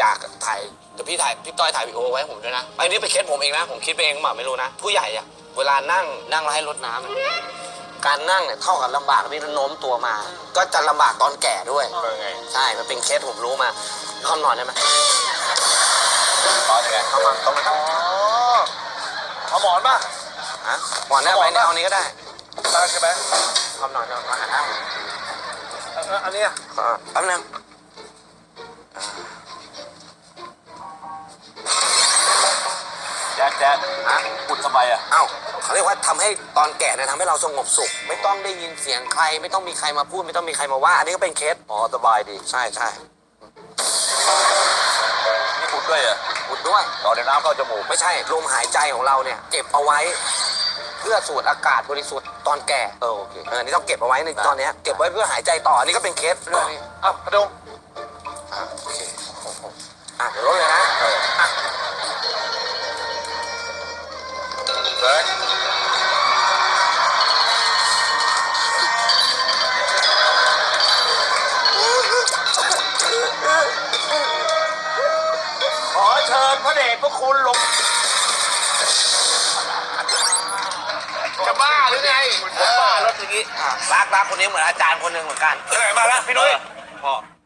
อยากถ่ายเดี๋ยวพี่ต้อยถ่ายวีดีโอไว้ให้ผมด้วยนะอันนี้เป็นเคสผมเองนะผมคิดไปเองหรือเปล่าไม่รู้นะผู้ใหญ่อะเวลานั่งแล้วให้รดน้ำอะการนั่งเนี่ยเท่ากับลำบากที่โน้มตัวมา ก็จะลำบากตอนแก่ด้วยใช่มันเป็นเคสผมรู้มาคำนอนได้ไหมตอนยังไงเอามาต้องมาเอาหมอนป่ะฮะหมอนได้ไหมเนี่ยเอานี้ก็ได้ได้ใช่ไหมคำนอนจะมาหาทางอันนี้แป๊บนึงแจ๊ดฮะอุดทำไมอ่ะเอ้าเขาเรียกว่าทำให้ตอนแก่เนี่ยทำให้เราสงบสุขไม่ต้องได้ยินเสียงใครไม่ต้องมีใครมาพูดไม่ต้องมีใครมาว่าอันนี้ก็เป็นเคสอ๋อสบายดีใช่นี่อุดด้วยอ่ะอุดด้วยต่อในน้ำเข้าจมูกไม่ใช่ลมหายใจของเราเนี่ยเก็บเอาไว้เพื่อสูดอากาศบริสุทธิ์ตอนแก่โอเคนี่ต้องเก็บเอาไว้ในตอนนี้เก็บไว้เพื่อหายใจต่ออันนี้ก็เป็นเคสเรื่องนี้กระดงโอเคเดี๋ยวลดเลยนะเบิร์ดขอเชิญพระเดชพระคุณลงจะบ้าหรือไงผมบ้ารถอย่างนี้รักคนนี้เหมือนอาจารย์คนหนึ่งเหมือนกันมาแล้วพี่นุ้ยพ่อ